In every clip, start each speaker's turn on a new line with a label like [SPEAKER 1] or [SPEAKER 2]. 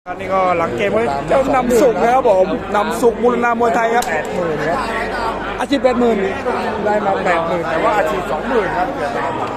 [SPEAKER 1] อันนี้ก็หลังเกมก็เจ้านำสุกนะครับผมนำสุกมูลนามวยไทยครับ
[SPEAKER 2] 80,000ครับ
[SPEAKER 1] อาชีพ80,000
[SPEAKER 2] ได้มา80,000แต่ว่าอาชีพ20,000ครับเกือบได้มา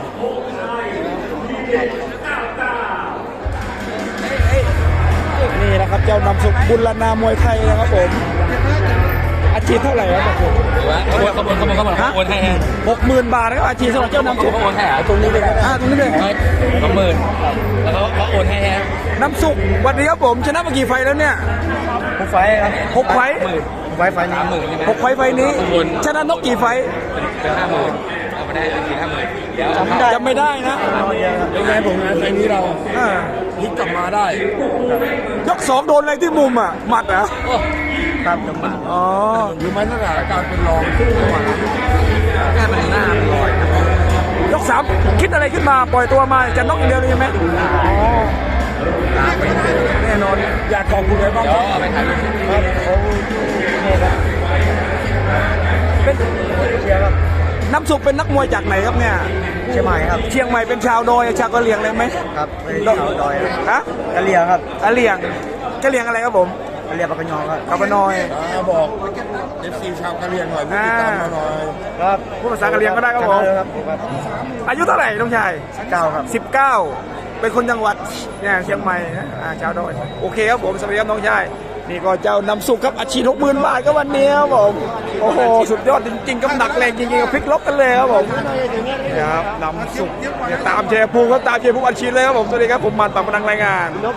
[SPEAKER 1] นี่นะครับเจ้านำสุกบุรณามวยไทยนะครับผมอาชีพเท่าไหร่ครับผม
[SPEAKER 3] เขาโอนให้ฮะ
[SPEAKER 1] 60,000 บาทนะครับอาชีพสำหรับเจ้านำสุก
[SPEAKER 3] เขาโอนให้ฮะ
[SPEAKER 2] ตรงนี้เลยครับ
[SPEAKER 1] ตรงนี้เลย
[SPEAKER 3] 20,000แล้วเขาโอนให้ฮะ
[SPEAKER 1] นำสุกวันนี้ครับผมชนะมากี่ไฟแล้วเนี่ย
[SPEAKER 2] ผู้ไฟครับ
[SPEAKER 1] 6 ไฟ
[SPEAKER 2] ผู้ไฟนี้
[SPEAKER 3] 30,000ใช่ไหม
[SPEAKER 1] 6 ไฟไฟนี้ชนะนกกี่ไฟ
[SPEAKER 3] เป็น50,000เอามาได้อาชีพ50,000เดี๋ยว
[SPEAKER 1] จำไม่ได้นะ
[SPEAKER 2] ยังไงผมงานไฟนี้เรา
[SPEAKER 1] อ่า
[SPEAKER 2] พลิกกลับมาได้
[SPEAKER 1] ยก 2โดนอะไรที่มุมอ่ะหมัดเหรอ
[SPEAKER 2] ครับจังหวะ
[SPEAKER 1] อ๋อ
[SPEAKER 2] หรือไม่สถานการณ์เป็นรองจังหวะนั้น
[SPEAKER 3] แค่มันหน้ามันลอย
[SPEAKER 1] ยก 3คิดอะไรขึ้นมาปล่อยตัวมาจะน็อกอย่างเดียวเลยใช่ไหมอ๋อแน่นอน
[SPEAKER 2] อยากขอบคุณอะไรบ้าง
[SPEAKER 3] เดี๋
[SPEAKER 2] ค
[SPEAKER 3] ยว
[SPEAKER 2] รับ
[SPEAKER 3] เอาไปถ่ายรูป
[SPEAKER 2] ครับเขาเนี่ยครับ
[SPEAKER 1] เป็น
[SPEAKER 2] เชียร์ครับ
[SPEAKER 1] น้ำสุกเป็นนักมวยจากไหนครับเนี่ย
[SPEAKER 2] เชียงใหม่ครับ
[SPEAKER 1] เชียงใหม่เป็นชาวดอยชาวกะเหรี่ยงเลยไหม
[SPEAKER 2] ครับไม่ได้ชาวดอยครับ
[SPEAKER 1] ฮะ
[SPEAKER 2] กะเหรี่ยงครับ
[SPEAKER 1] กะเหรี่ยงกะเหรี่ยงอะไรครับผม
[SPEAKER 2] กะเหรี่ยงปากกยอครับ
[SPEAKER 1] กะปะนอย
[SPEAKER 2] บอก FC ชาวกะเหรี่ยงหน่อยผู้ติดตามเราหน่อยครับ
[SPEAKER 1] พูดภาษากะเหรี่ยงก็ได้ครับผม
[SPEAKER 2] ครับ
[SPEAKER 1] อายุเท่าไหร่น้องชาย
[SPEAKER 2] 9ครับ
[SPEAKER 1] 19 เป็นคนจังหวัดเนี่ยเชียงใหม่นะชาวดอยโอเคครับผมสวัสดีครับน้องชายนี่ก็เจ้านำสุกครับอาชีพ60,000 บาทก็วันนี้ครับผมโอ้โหสุดยอดจริงๆครับหนักแรงจริงๆกับพลิกล็อกกันเลยครับผมนี่ครับนำสุกเนี่ยตามเชียร์ภูมิครับตามเชียร์ภูมิอาชีพเลยครับผมสวัสดีครับผมมันปากพนังรายงาน